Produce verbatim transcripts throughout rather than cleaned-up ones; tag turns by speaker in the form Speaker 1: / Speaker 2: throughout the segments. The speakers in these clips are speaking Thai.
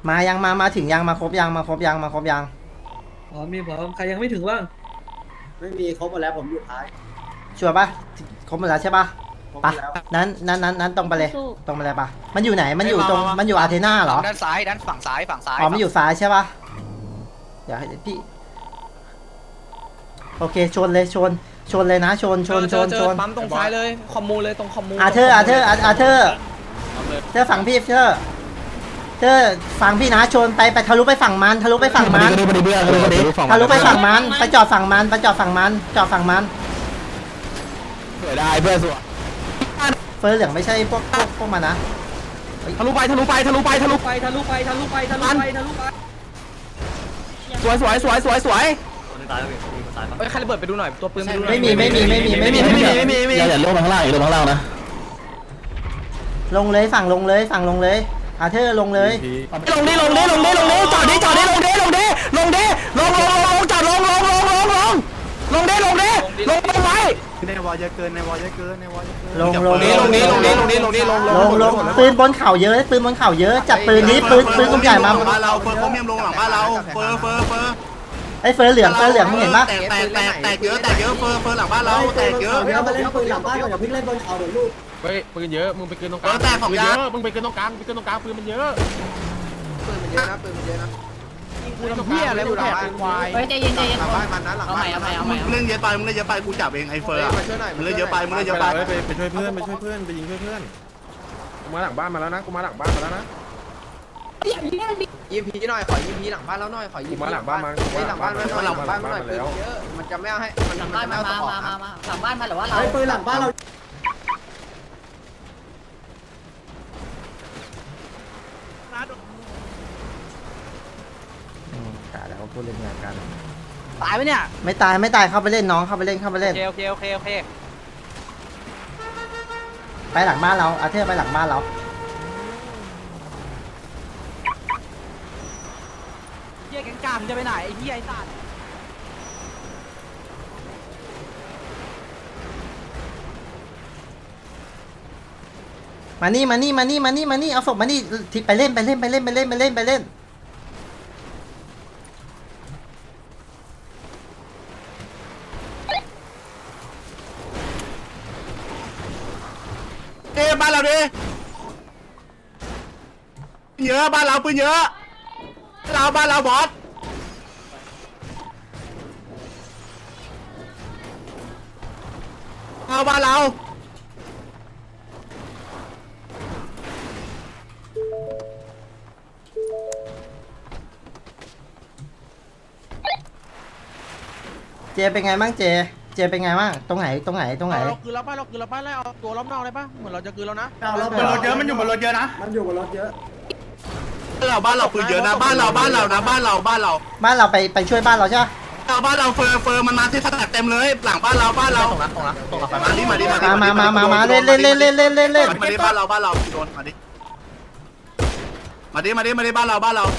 Speaker 1: มายังมามาถึงยังมาครบยังมาครบยังมาครบยัง
Speaker 2: อ๋อมีพร้อมใครยังไม่ถึงบ้าง
Speaker 3: ไม่มีครบหมดแล้วผมอยู่ท้าย
Speaker 1: ชัวร์ปะครบหมดแล้วใช่ปะ
Speaker 3: ครบห
Speaker 1: ปะ
Speaker 3: มดแล้ว
Speaker 1: นั้นนั้นนั้นนั้นตรงไปเลยตรงไปเลยปะมันอยู่ไหนมันอยู่ตรงมันอยู่อาเทนาเหรอ
Speaker 4: ด้านซ้ายด้านฝั่งซ้ายฝั่งซ้าย
Speaker 1: อ๋อมันอยู่ซ้ายใช่ปะเดี๋ยวให้พี่โอเคชนเลยชนชนเลยนะชนชนชนชน
Speaker 5: ปั๊มตรงซ้ายเลยคอมมูเลยตรงคอมมู
Speaker 1: อาเธอร์อาเธอร์อาเธอร์เธอฝั่งพี่เธอเธอฝั่งพี่นะชนไปไปทะลุไปฝั่งมันทะลุไปฝั่งมันทะลุไปฝั่งมันไปจอดฝั่งมันไปจอดฝั่งมันจอดฝั่งมันเผื่อได้เพื่อสวยเฟอร์เหลืองไม่ใช่พวกพวกพวกมันนะ
Speaker 5: ทะลุไปทะลุไปทะลุไปทะลุ
Speaker 2: ไปทะลุไปทะลุไปทะลุไปทะลุไป
Speaker 5: สวยสวยสวยสวยสวยเฮ้ยใครระเบิดไปดูหน่อยตัวปืน
Speaker 1: ไม่มีไม่มีไม่มีไม่มี
Speaker 5: ไม่มีไม่มีไม่มี
Speaker 6: อย่าอย่าลงมาข้างล่างอย่าลงข้างล่างนะ
Speaker 1: ลงเลยฝั่งลงเลยฝั่งลงเลยอาเธอร์ลงเลย
Speaker 5: ลงดิลงดิลงดิลงดิจอดดิจอดดิลงดิลงดิลงดิลงลงลงจอดลงลงลงลงลงลงดิลงดิลงไปไว้
Speaker 3: ในวอลเยอะเกินในวอลเยอะเกินในวอลเยอะเกิน
Speaker 1: ลงลง
Speaker 5: ลงดิลงดิลงดิลงดิลงดิลง
Speaker 1: ลงลงปืนบนเข่าเยอะปืนบนเข่าเยอะจับปืนนี้ปืนปืนกลุ่มใหญ่มา
Speaker 3: บ้านเราเฟอร์เขาเมียมลงหลังบ้านเราเฟอร์เฟอร์เฟอร์
Speaker 1: ไอ้เฟอร์เหลืองเฟอร์เหลืองมึงเห็นปะ
Speaker 3: แตกแตกแตกแตกเยอะแตกเยอะเฟอร์เฟอร์หลังบ้านเราแตกเยอะ
Speaker 2: เดี๋ยวมาเล่นปืนหลังบ้านก่อนอย่าเพิ่งเล่นบนเขาเดี๋ยวลูก
Speaker 5: เฮ้ยปืนเยอะมึงไปเกินตรงก
Speaker 3: เอ
Speaker 5: ลาง
Speaker 3: อแตกของยา
Speaker 5: มึงไปเกินตรงกลางไปเกินตรงกลางปืนมันเยอะ
Speaker 3: ปืนมันเยอะนะปืนมันเยอะนะ
Speaker 5: ปืนเหี้ยอะไรมึงแอบเป็นควาย
Speaker 7: เฮ้ยใจเย็นใจเย็น
Speaker 3: หลังบ้านมันนะหลังบ้าน
Speaker 7: เอาใหม่เอาใหม่เอาใหม่
Speaker 3: มึงเล่นเยอะไปมึงเล่นเยอะไปกูจับเองไอ้เฟอร์มึงเล่นเยอะไปมึงเล่นเยอะไป
Speaker 8: ไปไปช่วยเพื่อนไปช่วยเพื่อนไปยิงเพื่อนเพื่อนกูมาหลังบ้านมาแล้วนะกูมาหลังบ้านมาแล้วนะ
Speaker 4: ยิมพีหน่อยขอยิมพีหลังบ้านแล้วหน่อยขอยิ
Speaker 8: กู
Speaker 4: ม
Speaker 8: มาหลังบ้านมากูมา
Speaker 4: หลังบ้านมาหลังบ้านมาหน่อย
Speaker 8: แล้ว
Speaker 4: เยอะมันจะไม่เอาให้มัน
Speaker 7: หลัง
Speaker 4: มั
Speaker 7: บ้าน
Speaker 4: น
Speaker 7: มา
Speaker 4: ไม่เอา
Speaker 7: มา
Speaker 4: ต่อ
Speaker 7: มามามาหลังบ้านมาหรือว่าเรา
Speaker 2: ไอ้ปืนหลังบ้านเรา
Speaker 1: อืมกะแล้วพูดเล่นงานกัน
Speaker 5: ตายไหมเนี่ย
Speaker 1: ไม่ตายไม่ตายเข้าไปเล่นน้องเข้าไปเล่นเข้าไป
Speaker 5: โอ
Speaker 1: เล่น
Speaker 5: เคโอเคโอเคโอเค
Speaker 1: ไปหลังบ้านเราอาเธอร์ไปหลังบ้านเรา
Speaker 5: เหี้ยแกงกามจะไปไหนไอ้เหี้ยไอ้สัตว์
Speaker 1: มานี่มานี่มานี่มานี่มานี่เอาศพมานี่ที่ไปเล่นไปเล่นไปเล่นไปเล่นไปเล่นไปเล่น
Speaker 3: เอ้บ้านเราดิเยอะบ้านเราปืนเยอะเราบ้านเราบอสเอาบ้านเรา
Speaker 1: เจเป็นไงบ้างเจเจเป็นไงบ้างตรงไหนตรงไหนตรงไหน
Speaker 5: เราคือเราป้าเราคือเราป้าแล้วเอาตัวล้อมนอกเลยป่ะเหมือนเราจะคือแล้วนะ
Speaker 2: เรา
Speaker 3: บนรถเยอะมันอยู่บนรถเยอะนะ
Speaker 2: มันอยู่บนรถเยอะ
Speaker 3: บ้านเราบ้านเราปืนเยอะนะบ้านเราบ้านเรานะบ้านเราบ้านเรา
Speaker 1: บ้านเราไปไปช่วยบ้านเราใช่ปะ
Speaker 3: เราบ้านเราเฟอร์เฟอร์มันมาที่สแต็กเต็มเลยหลังบ้านเราบ้านเรา
Speaker 4: ตรงนั้นตรงนั้นตรงนั้น
Speaker 3: มาดิมาดิ
Speaker 1: มามามามามาเล่นเล่นเล่นเล่นเล่นเล่นเล่น
Speaker 3: มาดิบ้านเราบ้านเราโดนมาดิมาดิมาดิมาดิบ้านเราบ้านเรา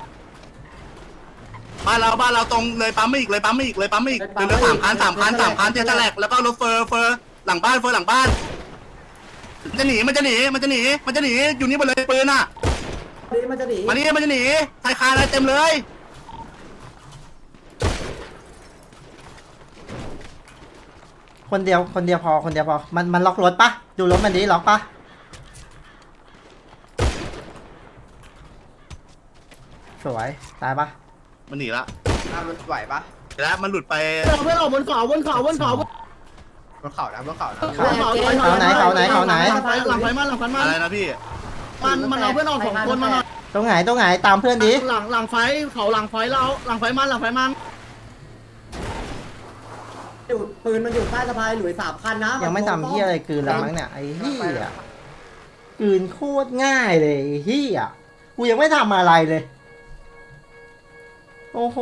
Speaker 3: บ้านเราบ้านเราตรงเลยปั๊มไม่อีกเลยปั๊มไม่อีกเลยปั๊มไม่อีกเรือสามคันสามคันสามคันเทสแลกแล้วก็รถเฟอร์เฟอร์หลังบ้านเฟอร์หลังบ้านจะหนีมันจะหนีมันจะหนีมันจะหนีอยู่นี่หมดเลยปืนอ่ะ
Speaker 2: นี่มันจะหนี
Speaker 3: มาดิมันจะหนีไทยคาอะไรเต็มเลย
Speaker 1: คนเดียวคนเดียวพอคนเดียวพอมันมันล็อกรถปะดูรถมันดีล็อกปะสวยตายปะ
Speaker 3: มันหนีละ
Speaker 4: มันไหวปะ
Speaker 3: แล้วมันหลุดไป
Speaker 2: เราเพื่อนออกบนเขาบนเขาบนเขา
Speaker 4: บนเขานะบนเขานะ
Speaker 1: เขาไหนเขาไหนเขาไหน
Speaker 2: หลังไฟหลังไฟมันหลังไฟมัน
Speaker 3: อะไรนะพี่
Speaker 2: มันมันเอาเพื่อนออกสองคนมาหน่อย
Speaker 1: ตรงไหนตรงไหนตามเพื่อนดิ
Speaker 2: หลังหลังไฟเขาหลังไฟเราหลังไฟมันหลังไฟมันอยู่ปืนมันอยู่ใต้สะพายหลุยสามคันนะ
Speaker 1: ยังไม่ทำเฮียอะไรกลืนแล้วมั้งเนี่ยไอ้เฮียกลืนโคตรง่ายเลยไอ้เฮียกูยังไม่ทำอะไรเลยโอ้โห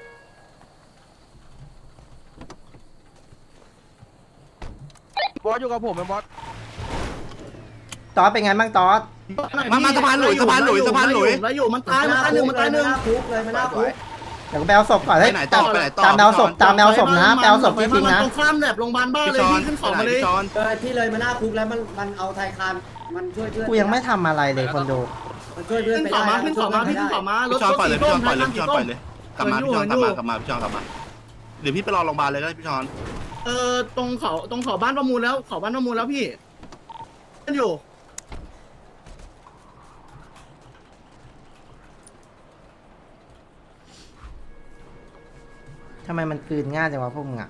Speaker 5: บอสอยู่กับผมเป็นบอส
Speaker 1: ตอสเป็นไงบ้างตอส
Speaker 3: มามาสะพานหลุยสะพานหลุยสะพานหลุย
Speaker 2: แล้วอยู่มันตายมันตายหนึ่งมันตายหนึ่งคุกเลยมันน่าคุก
Speaker 1: เดี๋ยวกูไปเอาศพก่อน
Speaker 3: ไป
Speaker 1: เฮ้ย
Speaker 3: ไหนต่อไปไหนต่อ
Speaker 1: ตามแนวศพตามแนวศพนะแปลศพจริงๆนะ
Speaker 2: ตรงข้ามแบบโรงพยาบาลบ้าน
Speaker 3: พี่
Speaker 2: เลย
Speaker 3: จอน
Speaker 2: พี่ขึ้นสองมาเลย
Speaker 3: พี่จอน
Speaker 2: เออที่เลยมันน่าคุกแล้วมันมันเอาไทยคานมันช่วยเพื่อน
Speaker 1: กูยังไม่ทำอะไรเลยคนดู
Speaker 2: มันช่วยเพื่อนขึ้น
Speaker 3: Dạ,
Speaker 2: เขามา
Speaker 3: vâng.
Speaker 2: ขึ้นเขามาพี่ขึ้นเขามารถ
Speaker 3: พี่ชอนปล่อยเลยพี่ชอนปล่อยเลย
Speaker 2: สี
Speaker 3: พี่ชอนปล่อยเลยกลับมาพี่ชอนกลับมากลับมาพี่ชอนกลับมาเดี๋ยวพี่ไปรอโรงพยาบาลเลยก็ได้พี่ชอน
Speaker 2: เออตรงเขาตรงเขาบ้านประมูลแล้วเขาบ้านประมูลแล้วพี่ขึ้นอยู่
Speaker 1: ทำไมมันกลืนง่ายจังวะพวกมึงอ่ะ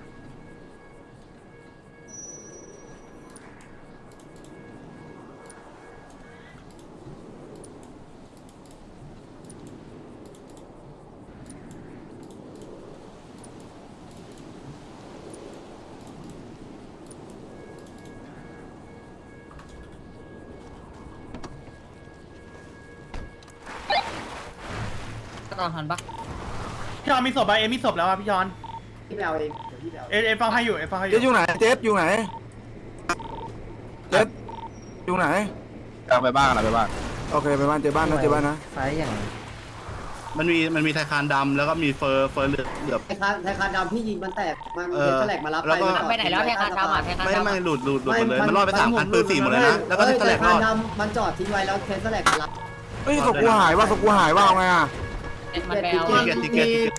Speaker 1: พี่ชอนมีศพไปเอ็มมีศพแล้วอ่ะพี่ชอน
Speaker 2: พี่ไปเอาเองเดี๋ยวพี่ไปเอา
Speaker 1: เอ็มเอ็มฟังให้อยู่เอ็มฟังให้อ
Speaker 5: เจ๊
Speaker 1: ยู่
Speaker 5: อยู่ไหนเจ๊อยู่ไหนเจ๊อยู่ไหน
Speaker 3: เอาไปบ้านอะไรไปบ้าน
Speaker 5: โอเคไปบ้านเจ๊บ้านนะเจ๊บ้านนะ
Speaker 1: ไฟอย่าง
Speaker 3: มันมีมันมีไทคานดำแล้วก็มีเฟอร์เฟอร์เหลือบเหลือบ
Speaker 2: ไทยคานไทยคานดำพี่ยิงมันแตกมัน
Speaker 3: เอ
Speaker 2: เห็
Speaker 3: อน
Speaker 2: แฉลกมารับ
Speaker 3: แล้วก็
Speaker 2: ไปไหนแล้วไทยคานดำอ่ะ
Speaker 3: ไม่ไม่หลุดหลุดหลุดหมดเลยมันรอดไปสามคันปืนสี่หมดเลยนะแล้วก็แถลกรอด
Speaker 2: ดำมันจอดทิ้งไว้แล้วเทนแฉลกมารับ
Speaker 5: เฮ้ยศพกูหายว่าศพกูหายว่าเอาไงอ่ะ
Speaker 2: มันไปเอา
Speaker 3: ติเกตติเกตติเกต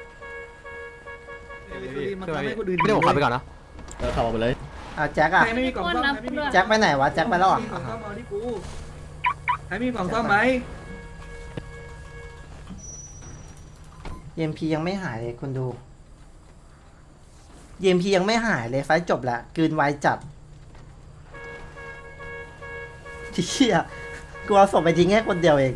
Speaker 8: ไม่ได้ผมขับไปก่อนนะ
Speaker 1: อ่ะแจ็คอ่ะ
Speaker 6: ไม่มีกล่องซ่อม
Speaker 1: แจ็คไปไหนวะแจ็คไปแล้วอ่ะ
Speaker 6: กล่องซ่อมเอาที่กูใครมีกล่องซ่อมไหม
Speaker 1: เอ็มพียังไม่หายเลยคนดูเอ็มพียังไม่หายเลยไฟจบแล้วกลืนไวจัดเชี่ยกูเอาศพไปทิ้งแค่คนเดียวเอง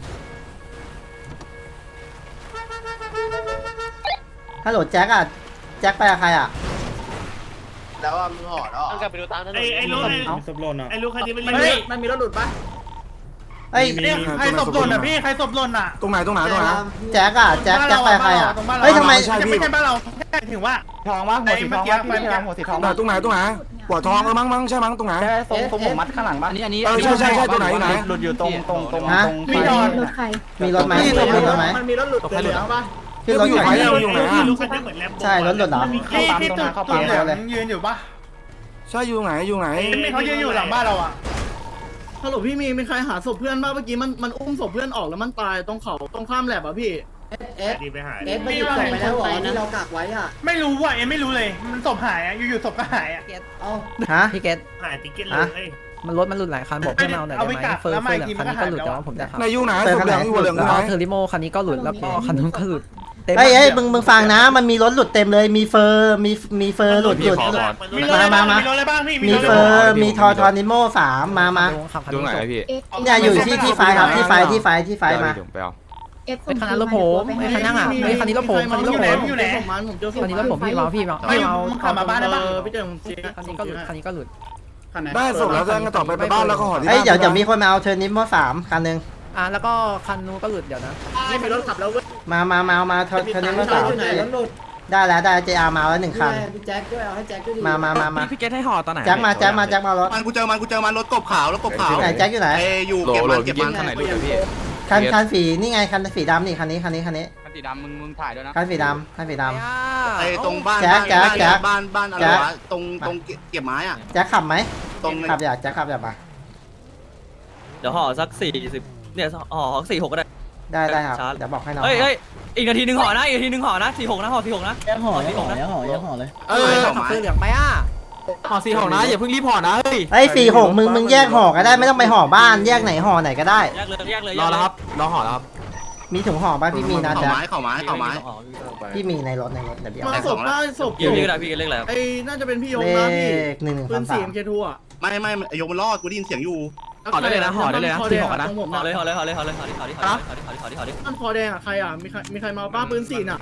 Speaker 1: ฮัลโหลแจ็คอ่ะแจ็คไปกับใครอ่ะ
Speaker 4: แล้วว่ามึงห่อแล้ว
Speaker 2: กลับไปดูตามถนน
Speaker 7: ไอ้ไอ้ลูกไอ้
Speaker 8: ศพหล่นอ่ะ
Speaker 7: ไอ้ลูกคันนี้มัน
Speaker 2: มัน
Speaker 7: เรี
Speaker 2: มี
Speaker 7: ยก
Speaker 2: มันมีรถหลุดปะ
Speaker 1: เอ้ย
Speaker 5: ใครศพหล่นอ่ะพี่
Speaker 7: ใครศพหล่นอ่ะ
Speaker 5: ตรงไหนตรงไหนตรงไหน
Speaker 1: แจ็คอ่ะแจ็คแจ็คไปกับใครอ่ะเฮ้ยทำไม
Speaker 5: ใช่พี่
Speaker 7: ไม่ใช่บ้านเราแค่ถึงว่า
Speaker 8: ทองมั้งหัวสีทองมั้งพี่ทองหัวสีทอง
Speaker 5: ไหนตรงไหนตรงไหนหัวทองเออมั้งมั้งใช่มั้งตรงไหน
Speaker 8: ทรงทรงผมมัดข้างหลังบ้านอันนี้อันนี้
Speaker 5: เออใช่ใช่ใช่ตัวไหนอยู่ไหน
Speaker 8: หลุดอยู่ตรงตรงตรง
Speaker 1: ฮะ
Speaker 8: ตรง
Speaker 7: พี่ดอน
Speaker 1: มีรถไหม
Speaker 5: นี่
Speaker 1: มี
Speaker 5: รถ
Speaker 1: รถไหม
Speaker 2: มันมีรถหลุดเหลือปะ
Speaker 1: ขึ้นรถ
Speaker 5: อยู่
Speaker 1: ไหน
Speaker 5: ไหนอยู่ไหนอะ
Speaker 7: ลูกคันนี้เหมือนแลมโบ
Speaker 1: ใช่รถหลุดเหรอ
Speaker 7: ที่ที่ตุ่ตุ่เหลืองยืนอยู่ปะ
Speaker 5: ใช่อยู่ไหนอยู่ไหน
Speaker 7: เขายืนอยู่หลังบ้านเราอ่ะ
Speaker 2: ฮัลโหลพี่มีมีใครหาศพเพื่อนบ้างเมื่อกี้มันมันอุ้มศพเพื่อนออกแล้วมันตายตรงเขาตรงข้ามแลบอ่ะพี่เอส
Speaker 7: ดีไปหาย
Speaker 2: เอสมันหยิบศพไปแล้วเหรอที่เรากักไว้อ่ะ
Speaker 7: ไม่รู้ว่ะเอ็มไม่รู้เลยมันศพหายอ่ะอยู่ๆศพก็หายอ่ะ
Speaker 2: เอา
Speaker 1: ฮะ
Speaker 9: พี่เกต
Speaker 7: หายติ๊กเก็ตเลย
Speaker 9: มันรถมันหลุดหลายคันบอกให้มาเอาหน่อยได้ไหมเฟอร์เฟอร์คันนี้ก็หลุดแต่ว่าผมจะขับ
Speaker 5: ในอยู่ไหนศพเหลืองอยู่เหลืองอ
Speaker 9: แล้
Speaker 5: ยู่
Speaker 9: ว
Speaker 5: ไหน
Speaker 9: เทอร์ริโมคันนี้ก็หลุดแล้วก็คันนู้นก็หลุดเต็ม
Speaker 1: เฮ้ยเฮ้ยมึงมึงฟังนะ มันมีรถหลุดเต็มเลย มีเฟอร์มีมีเฟอร์หลุดหลุด
Speaker 7: มีรถอะไรบ้างมีรถอะไรบ้างพี่
Speaker 1: มีเฟอร์มีทอทอนิโมสามมามา
Speaker 9: ดูไหนพี่
Speaker 1: เนี่ยอยู่ที่ที่ไฟครับที่ไฟที่ไฟที่ไฟมา
Speaker 9: ไอ้คันนั้นรถผมไอ้คันนั่งอ่ะไอ้คันนี้รถผมคันนี้รถผม
Speaker 7: อยู่ไหน
Speaker 2: ผมมันผมเจอศพ
Speaker 9: คันนี้รถผมพี่มาพี่มา
Speaker 7: เฮ้ย
Speaker 9: พี่เอา
Speaker 7: มึงขับมาบ้านได้ปะ
Speaker 2: พี่เจอผมเจอ
Speaker 9: คันนี้ก็หลุดคันนี้ก็หลุด
Speaker 5: ได้ศพแล้วจะงั้นต่อไปไปบ้านแล้วก็ห่อที่
Speaker 1: เฮ้ย
Speaker 5: บ้าน
Speaker 1: เดี๋ยวเดี๋ยวมีคนมาเอาเทอร์นิโมสามคันหนึ่ง
Speaker 9: อ่ะแล้วก็คันนู้นก็หลุดเดี๋ยวนะ
Speaker 2: ไม่มีรถขับแล้วเว้ย
Speaker 1: มามามามาเทอร์นิโมสาม
Speaker 2: อยู่ไหนรถหลุด
Speaker 1: ได้แล้วได้เจอาร์มาแล้วหนึ่งคัน
Speaker 2: พี่แจ็คด้วยเอาให้แจ็คด้วยดิ
Speaker 1: มามามามา
Speaker 9: พี่เกตให้ห่อตอนไหน
Speaker 1: แจ็คมาแจ็คมาแจ็คมารถ
Speaker 3: มันกูเจอมันกูเจอมันรถกบขาวรถกบขาว
Speaker 1: ไหนแจ็คอยู่ไหน
Speaker 3: ไอ้อยู่เก็บมันเก็บมัน
Speaker 1: คันคันสีนี่ไงคันสีดำนี่คันนี้คันนี้คันนี้
Speaker 8: คันสีดำมึงมึงถ่ายด้วยนะ
Speaker 1: คันสีดำคันสีด
Speaker 3: ไอ้ตรงบ้าน
Speaker 1: แจ๊คแจ๊คแจ๊ค
Speaker 3: บ้านบ้านอะไร
Speaker 1: แจ๊ค
Speaker 3: วะตรงตรงเก็บไม้อ่ะ
Speaker 1: ำแจ็คขับไหม
Speaker 3: ตรง
Speaker 1: ขับอยากแจ็คขับอยากมา
Speaker 10: เดี๋ยวห่อสักสี่สิบเนี่ยห่อสี่หกก็ได้
Speaker 1: ได้ได้ครับ
Speaker 10: ชาร์จ
Speaker 1: เดี๋ยวบอกให้น้อง
Speaker 10: เฮ้ยเฮ้ยอีกนาทีหนึ่งห่อนะอีกนาทีหนึ่งห่อนะสี่หกนะห่อสี่หกนะ
Speaker 2: ยังห่อ
Speaker 10: สี่หกนะ
Speaker 2: ยังห่อยังห่อเลย
Speaker 9: เออขับเสื้อเหลืองไปอ่ะ
Speaker 8: ห่อสีห่อนะอย่าเพิ่งรีบห่อนะเฮ้ย
Speaker 1: เฮ้ยสี่หกมึงมึงแยกห่อก็ได้ไม่ต้องไปห่อบ้านแยกไหนห่อไหนก็ได้
Speaker 10: แยกเลยแยกเลย
Speaker 8: รอแล้วครับรอห่อแล้วครับ
Speaker 1: มีถุงห่อป่ะพี่มีนะ
Speaker 3: เข่า
Speaker 1: จ๊ะ
Speaker 3: ไม้เข่าไม้เข่าไม้
Speaker 1: พี่มีในรถในรถเดี๋ยวพี่
Speaker 2: มา
Speaker 1: เอา
Speaker 2: ศพได้ศพ
Speaker 10: พี่พี่ก็ได้พี่ก็เล็กแล้ว
Speaker 2: ไอ้น่าจะเป็นพี่ยง
Speaker 1: เล
Speaker 2: นะพี่
Speaker 1: ขหนึ่งหนึ่ง
Speaker 2: ปื
Speaker 1: สาน ม
Speaker 2: สี่
Speaker 1: สาม
Speaker 2: เอ็มเคทูอ่ะ
Speaker 3: ไม่ไม่ไอ้ยกมันรอดกูได้ยินเสียงอยู่
Speaker 9: ห่อได้เลยนะห่อได้เลยนะสี่ห่อนะ
Speaker 2: ของผม
Speaker 10: ห่อ
Speaker 2: อ่ะ
Speaker 10: เลยห่อเลยห่อเลยห่อเลยห่อเลยห่อเลยห่อเลยห่อเลยห่อเลยห่อเลย
Speaker 2: มันคอแดงอ่ะใครอ่ะมีใครมีใครมาป้าปืนสี่น่ะ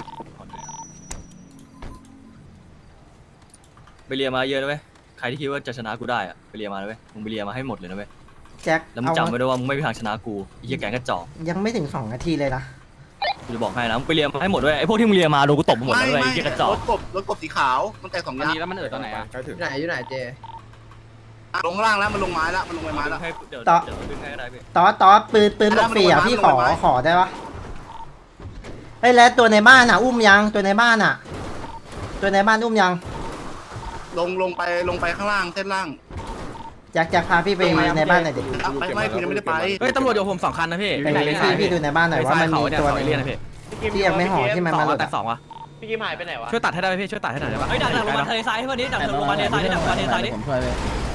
Speaker 10: ไปเรียมาเยอะนะเว้ยใครที่คิดว่าจะชนะกูได้อะไปเรียมาเลยเว้ยมึงไปเรียมาให้หมดเลยนะเว้ย
Speaker 1: แจ็ค
Speaker 10: แล้วมึง
Speaker 1: เอา
Speaker 10: จำไว้ด้วยว่ามึงไม่มีทางชนะกูไอ้เหี้ยแกงกระจอก
Speaker 1: ยังไม่ถึงสองนาทีเลยนะ
Speaker 10: กูจะบอกให้นะมึงไปเรียมาให้หมดด้วยไอ้พวกที่มึงเรียมาโดนกูตบหมด
Speaker 3: ไม่
Speaker 10: แล้วเว้ย
Speaker 3: ไม่
Speaker 10: ไอ้เหี้ยกระจอ
Speaker 3: ร
Speaker 10: ก
Speaker 3: ถกบรถกบสีขาวมันแตกสอง
Speaker 8: อัน
Speaker 3: ยาง
Speaker 8: นี้แล้วมันเอิดตอนไหนอ่ะ
Speaker 4: อยู่ไหนอยู่ไหนเจ
Speaker 3: ลงข้างล่างแล้วมันลงไม้แล้วมันลงไปไม้แล้ว
Speaker 10: ให้เดี๋ยวเดี๋ยวดึงให้ก็ได้พี่
Speaker 1: ตอสตอสปืนปืนบอกฟรีอ่ะพี่ขอขอได้ปะเฮ้ยแล้วตัวในบ้านอ่ะ อุ้มยังตัวในบ้านอ่ะ ตัวในบ้านอุ้มยัง
Speaker 3: ลงลงไปลงไปข้างล่างเส้นล่าง
Speaker 1: อยากจะพาพี่ไปในบ้านหน่อยดิ
Speaker 3: ไม่ไม่กูยังไม่ได้ไป
Speaker 5: เฮ้ยตำรวจอยู่ผมสองคันนะพี่
Speaker 1: ไปไหนพี่พี่ดูในบ้านหน่อยว่ามันมีตัว
Speaker 5: เอเลี่ยนนะพี่
Speaker 1: ที่ยังไม่ห่อที่มัน
Speaker 5: สอ
Speaker 1: มาง หลุด
Speaker 5: แต่สองวะ
Speaker 4: พี่กิมหายไปไหนวะ
Speaker 5: ช่วยตัดให้ได้ไหมพี่ช่วยตัดให้หน่อยได้ปะ
Speaker 10: เฮ้ยดักดักลงมาทะเลทรายให้วันนี้ดักลงมาทะเลทรายนี่ดักลงมาทะเลทรายนี่
Speaker 9: ผมช่วยไป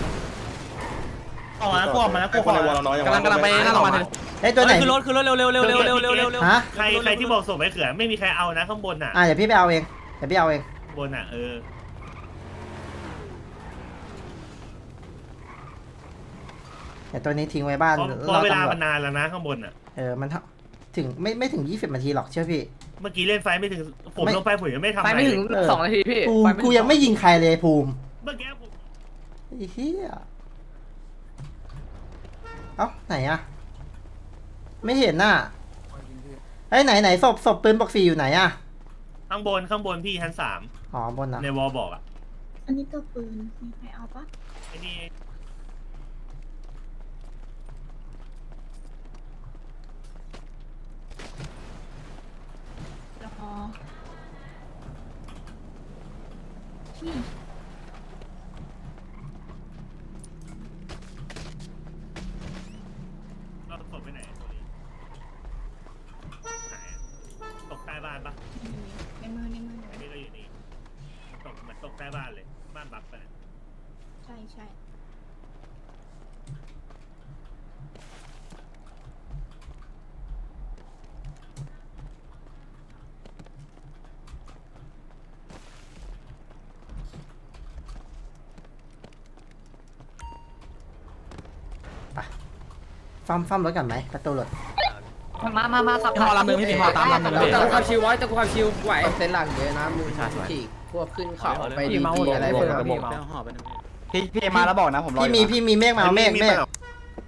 Speaker 7: ออกมาแล้วกูออกมาแล้วกูขอก
Speaker 5: ำลังกำลังไปหน้าโรงพยาบาลเลย
Speaker 1: ไอ้ตัวไหน
Speaker 10: คือรถคือรถเร็วเร็วเร็วเร็วเร็วเร็วเร็วเร็ว
Speaker 1: ฮะ
Speaker 7: ใครใครที่บอกส่งไปเขื่อนไม่มีใครเอานะข้างบนอ่ะ
Speaker 1: อ่ะเดี๋ยวพี่ไปเอาเองเดี๋ยวพี่เอาเอง
Speaker 7: บนอ่ะเออ
Speaker 1: แต่ตัวนี้ทิ้งไว้บ้าน
Speaker 7: เพราะเวลามันนานแล้วนะข้างบนอ่ะ
Speaker 1: เออมันถึงไม่ไม่ถึงยี่สิบนาทีหรอกเชื่อพี่
Speaker 7: เมื่อกี้เล่นไฟไม่ถึงผมลงไปผมยังไม่ทำ
Speaker 9: ไป
Speaker 7: อะไร
Speaker 9: ไม่ถึงสองนาทีพี่
Speaker 1: กูกูยังไม่ยิงใครเลยภูมิ
Speaker 7: เมื่อกี้ผม
Speaker 1: ไอ้เหี้ยเอ้าไหนอะไม่เห็นน่ะไอ้ยไหนไหนศพศพปืนบอกสี่อยู่ไหนอะ
Speaker 7: ข้างบนข้างบนพี่ชั้นสาม
Speaker 1: อ๋อบนนะ
Speaker 7: ในวอลบอกอ่ะ
Speaker 11: อันนี้ตัวปืนมีใครเอาปะ
Speaker 7: ไอ้นี่
Speaker 11: เดี๋ยวพอพี่
Speaker 7: เราตกไปไหนตัวนี้ไหนอะตกใต้บ้านปะ
Speaker 11: ในมือในมือ
Speaker 7: อันนี้ก็อยู่นี่ตกเหมือนตกใต้บ้านเลยบ้านบักไปะ
Speaker 11: ใช่ใช่
Speaker 1: ซ่อมซ่อมรถก่อนไหมประตูรถ
Speaker 9: มามามาขับ
Speaker 5: พี่พอลำหนึ่งพี่พอตามลำหนึ่งพี่
Speaker 9: แต่กูขับชิวไว้แต่กูขับชิวไหว
Speaker 4: เส้นหลังเยอะนะมึงขี่พวกขึ้นเขาไปดี
Speaker 9: เมา
Speaker 4: อะไร
Speaker 9: อะไร
Speaker 4: พว
Speaker 9: เปิ
Speaker 4: ก
Speaker 9: ด
Speaker 4: นั้น
Speaker 9: พี่
Speaker 5: พี่พี่มาแล้วบอกนะผมรอ
Speaker 1: พี่มีพี่มีเมฆมาเอาเมฆเมฆ